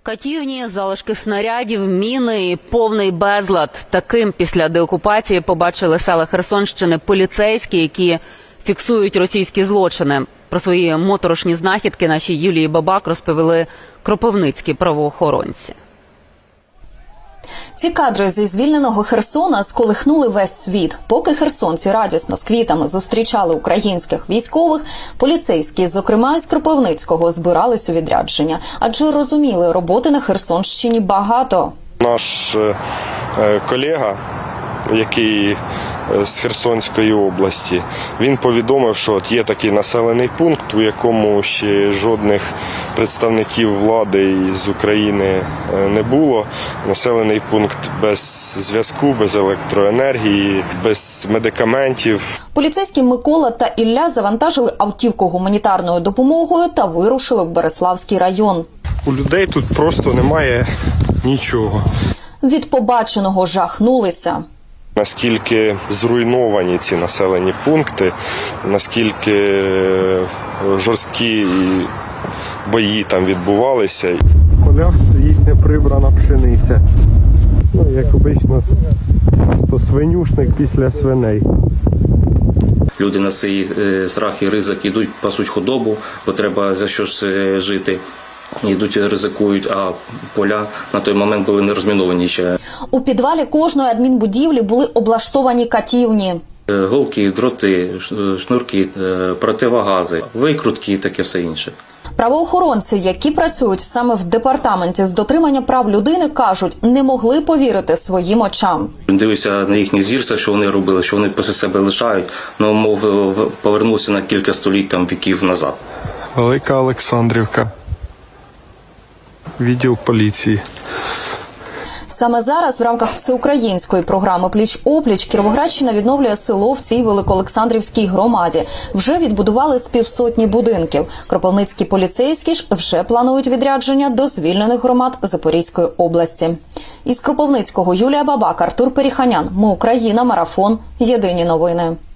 Катівні, залишки снарядів, міни і повний безлад. Таким після деокупації побачили села Херсонщини поліцейські, які фіксують російські злочини. Про свої моторошні знахідки нашій Юлії Бабак розповіли кропивницькі правоохоронці. Ці кадри зі звільненого Херсона сколихнули весь світ. Поки херсонці радісно з квітами зустрічали українських військових, поліцейські, зокрема із Кропивницького, збирались у відрядження. Адже розуміли, роботи на Херсонщині багато. Наш колега, який з Херсонської області, він повідомив, що от є такий населений пункт, у якому ще жодних представників влади з України не було. Населений пункт без зв'язку, без електроенергії, без медикаментів. Поліцейські Микола та Ілля завантажили автівку гуманітарною допомогою та вирушили в Береславський район. У людей тут просто немає нічого. Від побаченого жахнулися. Наскільки зруйновані ці населені пункти, наскільки жорсткі бої там відбувалися. В полях стоїть неприбрана пшениця. Як обично, то свинюшник після свиней. Люди на цей страх і ризик йдуть, пасуть худобу, бо треба за щось жити. Йдуть, ризикують, а поля на той момент були не розміновані ще. У підвалі кожної адмінбудівлі були облаштовані катівні. Голки, дроти, шнурки, противогази, викрутки і таке все інше. Правоохоронці, які працюють саме в департаменті з дотримання прав людини, кажуть, не могли повірити своїм очам. Дивився на їхні звірства, що вони робили, що вони після себе лишають, ну, мов повернувся на кілька століть, там, віків назад. Велика Олександрівка. Відділ поліції. Саме зараз в рамках всеукраїнської програми «Пліч-опліч» Кіровоградщина відновлює село в цій Великоолександрівській громаді. Вже відбудували з 500 будинків. Кропивницькі поліцейські ж вже планують відрядження до звільнених громад Запорізької області. Із Кропивницького Юлія Бабак, Артур Періханян. Ми Україна. Марафон. Єдині новини.